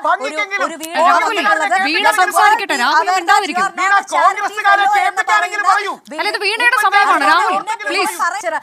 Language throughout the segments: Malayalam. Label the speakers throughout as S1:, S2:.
S1: വീണയുടെ സമയമാണ് രാഹുൽ പ്ലീസ്.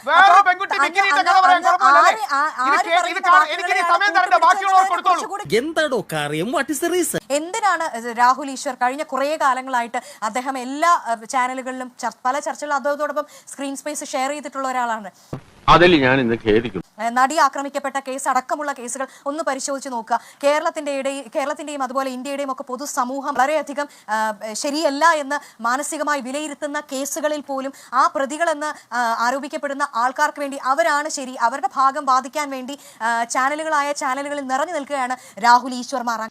S2: എന്താണോ കാര്യം? What is the reason?
S3: എന്തിനാണ് രാഹുൽ ഈശ്വർ കഴിഞ്ഞ കുറേ കാലങ്ങളായിട്ട് അദ്ദേഹം എല്ലാ ചാനലുകളിലും പല ചർച്ചകളും അതോടൊപ്പം സ്ക്രീൻ സ്പേസ് ഷെയർ ചെയ്തിട്ടുള്ള ഒരാളാണ്.
S4: അതിൽ ഞാൻ ഇന്ന് ഖേദിക്കുന്നു.
S3: നടി ആക്രമിക്കപ്പെട്ട കേസ് അടക്കമുള്ള കേസുകൾ ഒന്ന് പരിശോധിച്ച് നോക്കുക. കേരളത്തിന്റെയും അതുപോലെ ഇന്ത്യയുടെയും ഒക്കെ പൊതുസമൂഹം വളരെയധികം ശരിയല്ല എന്ന് മാനസികമായി വിലയിരുത്തുന്ന കേസുകളിൽ പോലും ആ പ്രതികളെന്ന് ആരോപിക്കപ്പെടുന്ന ആൾക്കാർക്ക് വേണ്ടി അവരാണ് ശരി, അവരുടെ ഭാഗം വാദിക്കാൻ വേണ്ടി ചാനലുകളിൽ നിറഞ്ഞു നിൽക്കുകയാണ് രാഹുൽ ഈശ്വർ മാറാൻ.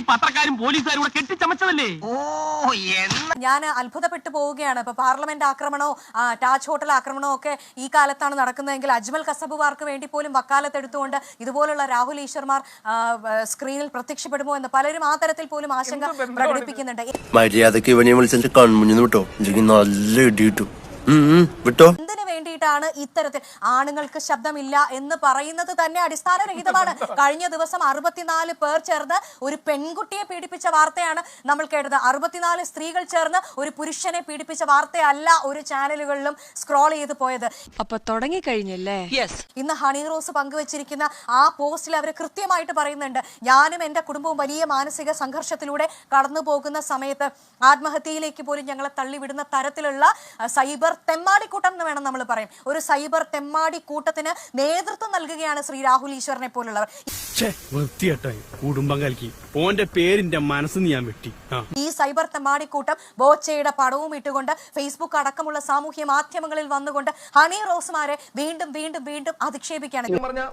S3: ഞാൻ അത്ഭുതപ്പെട്ടു പോവുകയാണ്. ഇപ്പൊ പാർലമെന്റ് ആക്രമണമോ താജ് ഹോട്ടൽ ആക്രമണമോ ഒക്കെ ഈ കാലത്താണ് നടക്കുന്നതെങ്കിൽ അജ്മൽ കസബുവാർക്ക് വേണ്ടി പോലും വക്കാലത്തെടുത്തുകൊണ്ട് ഇതുപോലുള്ള രാഹുൽ ഈശ്വർമാർ സ്ക്രീനിൽ പ്രത്യക്ഷപ്പെടുമോ എന്ന് പലരും ആ തരത്തിൽ പോലും ആശങ്ക പ്രകടിപ്പിക്കുന്നുണ്ട്. എന്തിനു വേണ്ടിയിട്ടാണ് ഇത്തരത്തിൽ ആണുങ്ങൾക്ക് ശബ്ദമില്ല എന്ന് പറയുന്നത് തന്നെ അടിസ്ഥാനരഹിതമാണ്. കഴിഞ്ഞ ദിവസം 64 പേർ ചേർന്ന് ഒരു പെൺകുട്ടിയെ പീഡിപ്പിച്ച വാർത്തയാണ് നമ്മൾ കേട്ടത്. 64 സ്ത്രീകൾ ചേർന്ന് ഒരു പുരുഷനെ പീഡിപ്പിച്ച വാർത്തയല്ല ഒരു ചാനലുകളിലും സ്ക്രോൾ ചെയ്ത് പോയത്.
S1: അപ്പൊ തുടങ്ങി കഴിഞ്ഞല്ലേ?
S3: ഇന്ന് ഹണി റോസ് പങ്കുവച്ചിരിക്കുന്ന ആ പോസ്റ്റിൽ അവർ കൃത്യമായിട്ട് പറയുന്നുണ്ട്, ഞാനും എന്റെ കുടുംബവും വലിയ മാനസിക സംഘർഷത്തിലൂടെ കടന്നു പോകുന്ന സമയത്ത് ആത്മഹത്യയിലേക്ക് പോലും ഞങ്ങളെ തള്ളിവിടുന്ന തരത്തിലുള്ള സൈബർ തെമ്മാടിക്കൂട്ടം എന്ന് വേണം നമ്മൾ പറയും. ഒരു സൈബർ തെമ്മാടി കൂട്ടത്തിന് നേതൃത്വം നൽകുകയാണ് ശ്രീ രാഹുൽ ഈശ്വറിനെ പോലുള്ളവർ. ഈ സൈബർ തെമ്മാടിക്കൂട്ടം ബോച്ചയുടെ പടവും ഇട്ടുകൊണ്ട് ഫേസ്ബുക്ക് അടക്കമുള്ള സാമൂഹ്യ മാധ്യമങ്ങളിൽ വന്നുകൊണ്ട് ഹണി റോസുമാരെ വീണ്ടും വീണ്ടും വീണ്ടും അധിക്ഷേപിക്കുകയാണ്.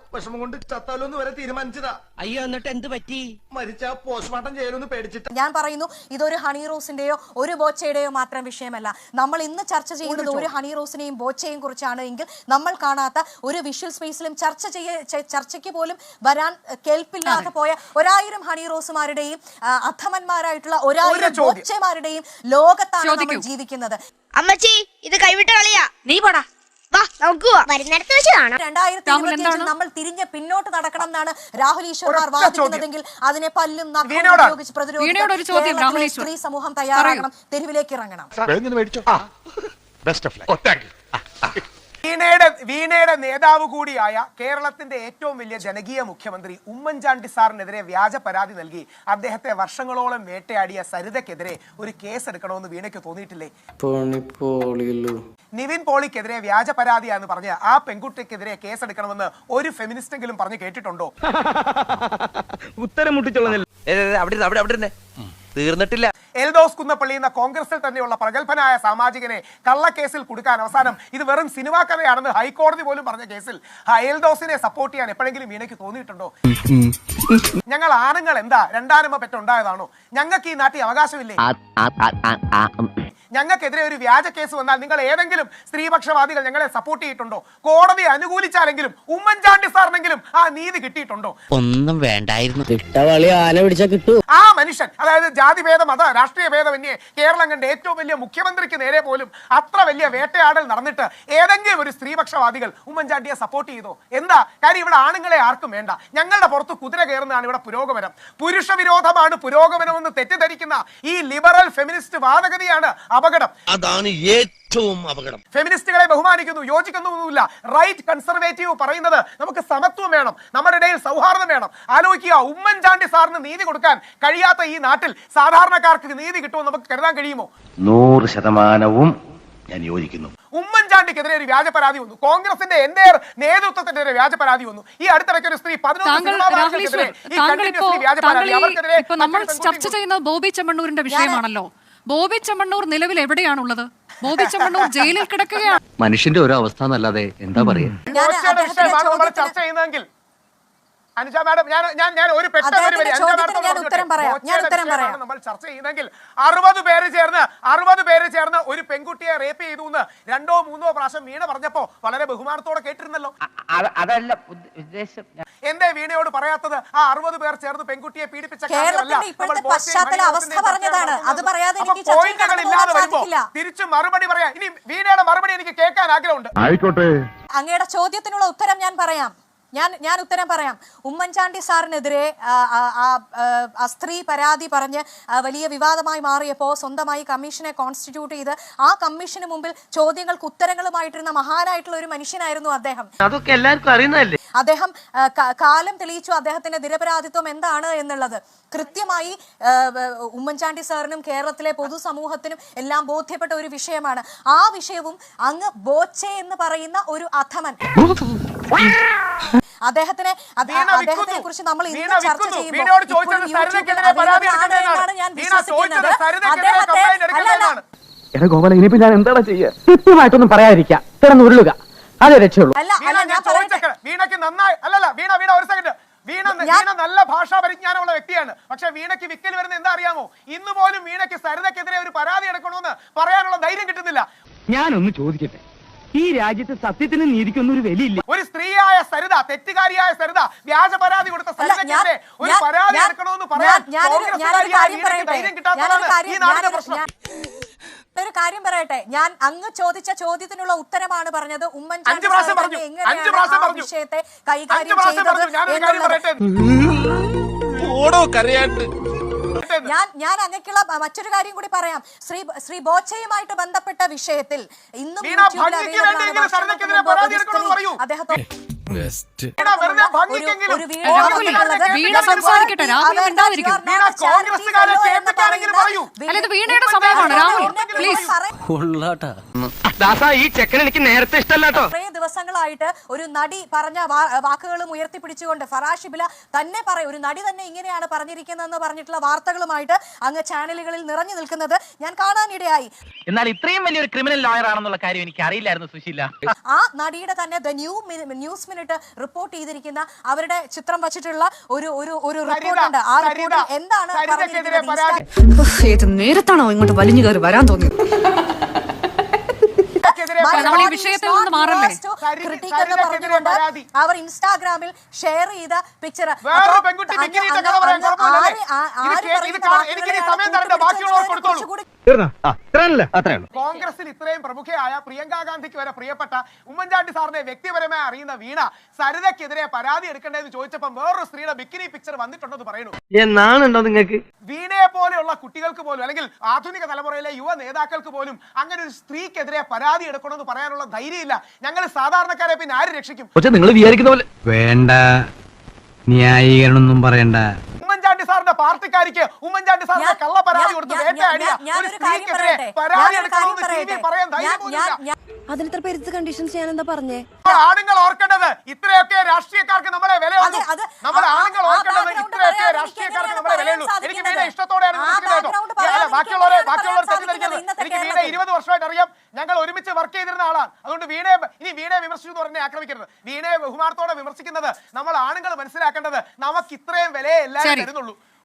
S3: ഞാൻ പറയുന്നു, ഇതൊരു ഹണി റോസിന്റെയോ ഒരു ബോച്ചയുടെയോ മാത്രം വിഷയമല്ല. നമ്മൾ ഇന്ന് ചർച്ച ചെയ്യുന്നത് ഒരു ഹണി റോസിനെയും ബോച്ചയും കുറിച്ചാണ് എങ്കിൽ നമ്മൾ കാണാത്ത ഒരു വിഷ്വൽ സ്പേസിലും ചർച്ചയ്ക്ക് പോലും വരാൻ കേൾപ്പില്ലാതെ പോയ 1000 ഹണി റോസുമാരുടെയും അധമന്മാരായിട്ടുള്ള 1000 ബോച്ചമാരുടെയും ലോകത്താണ് നമ്മൾ ജീവിക്കുന്നത്.
S5: അമ്മച്ചി, ഇത് കൈവിട്ട കളിയാ. നീ പോടാ,
S3: നമ്മൾ തിരിഞ്ഞ് പിന്നോട്ട് നടക്കണം എന്നാണ് രാഹുൽ ഈശ്വർമാർ വാദിക്കുന്നതെങ്കിൽ അതിനെ പല്ലും ഉപയോഗിച്ച് പ്രതിരോധിക്കാൻ സ്ത്രീ സമൂഹം തയ്യാറാകണം, തെരുവിലേക്ക് ഇറങ്ങണം.
S6: വീണയുടെ നേതാവ് കൂടിയായ കേരളത്തിന്റെ ഏറ്റവും വലിയ ജനകീയ മുഖ്യമന്ത്രി ഉമ്മൻചാണ്ടി സാറിനെതിരെ വ്യാജ പരാതി നൽകി അദ്ദേഹത്തെ വർഷങ്ങളോളം വേട്ടയാടിയ സരിതയ്ക്കെതിരെ ഒരു കേസ് എടുക്കണമെന്ന് വീണയ്ക്ക് തോന്നിയിട്ടില്ലേ? നിവിൻ പോളിക്കെതിരെ വ്യാജ പരാതിയാന്ന് പറഞ്ഞ് ആ പെൺകുട്ടിക്കെതിരെ കേസെടുക്കണമെന്ന് ഒരു ഫെമിനിസ്റ്റെങ്കിലും പറഞ്ഞു കേട്ടിട്ടുണ്ടോ?
S4: ഉത്തരം മുട്ടിച്ചോളൂ. തീർന്നിട്ടില്ല.
S6: എൽദോസ് കുന്നപ്പള്ളി എന്ന കോൺഗ്രസിൽ തന്നെയുള്ള പ്രഗത്ഭനായ സാമാജികനെ കള്ളക്കേസിൽ കൊടുക്കാൻ അവസാനം ഇത് വെറും സിനിമാ കഥയാണെന്ന് ഹൈക്കോടതി പോലും പറഞ്ഞ കേസിൽ എൽദോസിനെ സപ്പോർട്ട് ചെയ്യാൻ എപ്പോഴെങ്കിലും വീണയ്ക്ക് തോന്നിയിട്ടുണ്ടോ? ഞങ്ങൾ ആണുങ്ങൾ എന്താ രണ്ടാനമ്മ പെറ്റുണ്ടായതാണോ? ഞങ്ങൾക്ക് ഈ നാട്ടിൽ അവകാശമില്ലേ? ഞങ്ങൾക്കെതിരെ ഒരു വ്യാജ കേസ് വന്നാൽ നിങ്ങൾ ഏതെങ്കിലും സ്ത്രീപക്ഷവാദികൾ ഞങ്ങളെ സപ്പോർട്ട് ചെയ്തിട്ടുണ്ടോ? കോടതി അനുകൂലിച്ചാലെങ്കിലും ഉമ്മൻചാണ്ടി സാറിനെങ്കിലും ആ നീതി കിട്ടിയിട്ടുണ്ടോ?
S2: ഒന്നും വേണ്ടായിരുന്നു.
S6: ആ മനുഷ്യൻ, അതായത് ജാതിഭേദം മത രാഷ്ട്രീയ ഭേദമന്യേ കേരളം കണ്ട ഏറ്റവും വലിയ മുഖ്യമന്ത്രിക്ക് നേരെ പോലും അത്ര വലിയ വേട്ടയാടൽ നടന്നിട്ട് ഏതെങ്കിലും ഒരു സ്ത്രീപക്ഷവാദികൾ ഉമ്മൻചാണ്ടിയെ സപ്പോർട്ട് ചെയ്തോ? എന്താ കാര്യം? ഇവിടെ ആണുങ്ങളെ ആർക്കും വേണ്ട. ഞങ്ങളുടെ പുറത്ത് കുതിര കയറുന്നതാണ് ഇവിടെ പുരോഗമനം. പുരുഷ വിരോധമാണ് പുരോഗമനമെന്ന് തെറ്റിദ്ധരിക്കുന്ന ഈ ലിബറൽ ഫെമിനിസ്റ്റ് വാദഗതിയാണ് അപകടം.
S2: അതാണ് ഏറ്റവും അപകടം.
S6: ഫെമിനിസ്റ്റുകളെ ബഹുമാനിക്കുന്നു, യോജിക്കുന്നൊന്നുമില്ല. റൈറ്റ് കൺസർവേറ്റീവ് പറയുന്നത് നമുക്ക് സമത്വം വേണം, നമ്മുടെ ഇടയിൽ സൗഹാർദ്ദം വേണം. ആലോചിക്കുക, ഉമ്മൻചാണ്ടി സാറിന് നീതി കൊടുക്കാൻ കഴിയാത്ത ഈ നാട്ടിൽ സാധാരണക്കാർക്ക് നീതി കിട്ടുമെന്ന് നമുക്ക് കരുതാൻ കഴിയുമോ?
S4: 100% ഞാൻ യോജിക്കുന്നു.
S6: ഉമ്മൻചാണ്ടിക്കെതിരെ ഒരു വ്യാജ പരാതി വന്നു, കോൺഗ്രസിന്റെ എന്റെ നേതൃത്വത്തിനെതിരെ വ്യാജ പരാതി വന്നു. ഈ അടുത്തിടയ്ക്ക് ഒരു സ്ത്രീ 11
S1: നമ്മൾ ചർച്ച ചെയ്യുന്നത് ബോബി ചെമ്മണ്ണൂരിന്റെ വിഷയമാണല്ലോ. ബോബി ചെമ്മണ്ണൂർ നിലവിൽ എവിടെയാണുള്ളത്? ബോബി ചെമ്മണ്ണൂർ ജയിലിൽ കിടക്കുകയാണ്.
S4: മനുഷ്യന്റെ ഒരു അവസ്ഥ എന്നല്ലാതെ എന്താ പറയാ?
S6: ചർച്ച ചെയ്യുന്നതെങ്കിൽ അനുജ മാഡം, ഞാൻ ഒരു നമ്മൾ ചർച്ച ചെയ്യുന്നെങ്കിൽ 60 പേര് ചേർന്ന് ഒരു പെൺകുട്ടിയെ റേപ്പ് ചെയ്തു എന്ന് 2ഓ 3ഓ പ്രാവശ്യം വീണ പറഞ്ഞപ്പോ വളരെ ബഹുമാനത്തോടെ കേട്ടിരുന്നല്ലോ.
S7: അതല്ല ഉദ്ദേശം.
S6: എന്തേ വീണയോട് പറയാത്തത്? ആ 60 പേർ ചേർന്ന് പെൺകുട്ടിയെ പീഡിപ്പിച്ച പോയിന്റുകളില്ലാതെ വരുമ്പോ തിരിച്ചു മറുപടി പറയാം. ഇനി വീണയുടെ മറുപടി എനിക്ക് കേൾക്കാൻ ആഗ്രഹമുണ്ട്.
S3: അങ്ങയുടെ ചോദ്യത്തിനുള്ള ഉത്തരം ഞാൻ പറയാം. ഞാൻ ഉത്തരം പറയാം. ഉമ്മൻചാണ്ടി സാറിനെതിരെ ആ സ്ത്രീ പരാതി പറഞ്ഞ് വലിയ വിവാദമായി മാറിയപ്പോൾ സ്വന്തമായി കമ്മീഷനെ കോൺസ്റ്റിറ്റ്യൂട്ട് ചെയ്ത് ആ കമ്മീഷന് മുമ്പിൽ ചോദ്യങ്ങൾക്ക് ഉത്തരങ്ങളുമായിട്ടിരുന്ന മഹാനായിട്ടുള്ള ഒരു മനുഷ്യനായിരുന്നു അദ്ദേഹം.
S4: അതൊക്കെ എല്ലാവർക്കും അറിയുന്നതല്ലേ.
S3: അദ്ദേഹം കാലം തെളിയിച്ചു അദ്ദേഹത്തിന്റെ നിരപരാധിത്വം എന്താണ് എന്നുള്ളത്. കൃത്യമായി ഉമ്മൻചാണ്ടി സാറിനും കേരളത്തിലെ പൊതുസമൂഹത്തിനും എല്ലാം ബോധ്യപ്പെട്ട ഒരു വിഷയമാണ്. ആ വിഷയവും അങ്ങ് ബോച്ചെ എന്ന് പറയുന്ന ഒരു അധമൻ അദ്ദേഹത്തിനെ കുറിച്ച് നമ്മൾ ഇന്ന് ചർച്ച ചെയ്യുമ്പോൾ ഞാൻ വിശ്വസിക്കുന്നത്
S7: ഗോപാല ഇനിയിപ്പോ ഞാൻ എന്താണ് ചെയ്യുക? കൃത്യമായിട്ടൊന്നും പറയാതിരിക്കാം, കിടന്ന് ഉരുളുക, അതേ രക്ഷയുള്ളൂ.
S6: വീണയ്ക്ക് നന്നായി വീണ ഒരു സെക്കൻഡ്. വീണ നല്ല ഭാഷാ പരിജ്ഞാനമുള്ള വ്യക്തിയാണ്. പക്ഷെ വീണയ്ക്ക് വിക്കൽ വരുന്ന എന്താ അറിയാമോ? ഇന്ന് പോലും വീണയ്ക്ക് സരിതയ്ക്കെതിരെ ഒരു പരാതി എടുക്കണമെന്ന് പറയാനുള്ള ധൈര്യം കിട്ടുന്നില്ല.
S7: ഞാനൊന്ന് ചോദിക്കട്ടെ, ഈ രാജ്യത്ത് സത്യത്തിന് നീതിക്കൊന്നും ഒരു വിലയില്ല.
S6: ഒരു സ്ത്രീയായ സരിത, തെറ്റുകാരിയായ സരിത, വ്യാജ പരാതി കൊടുത്ത സരിതയ്ക്കെതിരെ ഒരു പരാതി എടുക്കണമെന്ന് പറയാൻ ധൈര്യം കിട്ടാത്തതാണ് ഈ നാടിന്റെ പ്രശ്നം.
S3: ഒരു കാര്യം പറയട്ടെ, ഞാൻ അങ്ങ് ചോദിച്ച ചോദ്യത്തിനുള്ള ഉത്തരമാണ് പറഞ്ഞത്. ഉമ്മൻചാണ്ടി എങ്ങനെയാണ് വിഷയത്തെ കൈകാര്യം ചെയ്തത്. ഞാൻ അങ്ങക്കുള്ള മറ്റൊരു കാര്യം കൂടി പറയാം. ശ്രീ ബോച്ചയുമായിട്ട് ബന്ധപ്പെട്ട വിഷയത്തിൽ ഇന്നും അദ്ദേഹത്തെ
S7: ഈ ചെക്കൻ എനിക്ക് നേരത്തെ ഇഷ്ടമല്ലാട്ടോ.
S3: കുറേ ദിവസങ്ങളായിട്ട് ഒരു നടി പറഞ്ഞ വാക്കുകളും ഉയർത്തിപ്പിടിച്ചുകൊണ്ട് ഫറാഷിബില തന്നെ പറയും, ഒരു നടി തന്നെ ഇങ്ങനെയാണ് പറഞ്ഞിരിക്കുന്നതെന്ന് പറഞ്ഞിട്ടുള്ള വാർത്തകളുമായിട്ട് അങ്ങ് ചാനലുകളിൽ നിറഞ്ഞു നിൽക്കുന്നത് ഞാൻ കാണാനിടയായി.
S7: എന്നാൽ ഇത്രയും വലിയൊരു ക്രിമിനൽ ലോയർ ആണെന്നുള്ള കാര്യം എനിക്ക് അറിയില്ലായിരുന്നു സുശീല.
S3: ആ നടിയുടെ തന്നെ ന്യൂസ് മിനിറ്റ് റിപ്പോർട്ട് ചെയ്തിരിക്കുന്ന അവരുടെ ചിത്രം വച്ചിട്ടുള്ള ഒരു റിപ്പോർട്ട് ഉണ്ട്. ആ റിപ്പോർട്ടിൽ എന്താണ് പറഞ്ഞിരിക്കുന്നത്?
S1: നേരത്താണോ ഇങ്ങോട്ട് വലിഞ്ഞു കയറി വരാൻ തോന്നിയത്?
S3: അവർ ഇൻസ്റ്റാഗ്രാമിൽ ഷെയർ ചെയ്ത പിക്ചർ
S6: കോൺഗ്രസിൽ ഇത്രയും പ്രമുഖയായ പ്രിയങ്ക ഗാന്ധിക്ക് വരെ പ്രിയപ്പെട്ട ഉമ്മൻചാണ്ടി സാറിനെ വ്യക്തിപരമായി അറിയുന്ന വീണ സരിതയ്ക്കെതിരെ പരാതി എടുക്കേണ്ടതെന്ന് ചോദിച്ചപ്പോൾ വേറൊരു സ്ത്രീയുടെ ബിക്കിനി പിക്ചർ വന്നിട്ടുണ്ടെന്ന് പറയുന്നു.
S4: എന്നാണുണ്ടോ നിങ്ങൾക്ക്?
S6: വീണയെ പോലെയുള്ള കുട്ടികൾക്ക് പോലും അല്ലെങ്കിൽ ആധുനിക തലമുറയിലെ യുവ നേതാക്കൾക്ക് പോലും അങ്ങനെ ഒരു സ്ത്രീക്കെതിരെ പരാതി എടുക്കണമെന്ന് പറയാനുള്ള ധൈര്യമില്ല. ഞങ്ങൾ സാധാരണക്കാരെ പിന്നെ ആര് രക്ഷിക്കും?
S4: നിങ്ങൾ വിചാരിക്കുന്ന പോലെ
S8: വേണ്ട, ന്യായീകരണമൊന്നും പറയണ്ട.
S6: ഉമ്മൻചാണ്ടി സാറിന്റെ പാർട്ടിക്കാരിക്ക് ഉമ്മൻചാണ്ടി സാറിന്റെ കള്ള പരാതി കൊടുത്ത് വേട്ടയാടിയ ഒരു സ്ത്രീക്കെതിരെ പരാതി എടുക്കണമെന്ന് പറയാൻ ധൈര്യം.
S5: അതിനിത്ര പെരുത്ത് കണ്ടീഷൻസ് ഞാൻ എന്താ പറഞ്ഞേ?
S6: ആണുങ്ങൾ ഓർക്കേണ്ടത് ഇത്രയൊക്കെ രാഷ്ട്രീയക്കാർക്ക് നമ്മളെ വിലയുള്ളൂ. നമ്മൾ ആണുങ്ങൾ ഓർക്കേണ്ടത് ഇത്രയൊക്കെ രാഷ്ട്രീയക്കാർക്ക് നമ്മളെ വിലയുള്ളൂ. എനിക്ക് വീണ ഇഷ്ടത്തോടെയാണ് ബാക്കിയുള്ളവർ തെറ്റിദ്ധരിക്കുന്നത്. എനിക്ക് വീണ 20 വർഷമായിട്ട് അറിയാം. ഞങ്ങൾ ഒരുമിച്ച് വർക്ക് ചെയ്തിരുന്ന ആളാണ്. അതുകൊണ്ട് വീണയെ വിമർശിച്ചു എന്ന് പറഞ്ഞെ ആക്രമിക്കരുത്. വീണയെ ബഹുമാനത്തോടെ വിമർശിക്കുന്നത് നമ്മൾ ആണുങ്ങൾ മനസ്സിലാക്കേണ്ടത് നമുക്ക് ഇത്രയും വിലയെ എല്ലാവരും തരുന്നുള്ളൂ.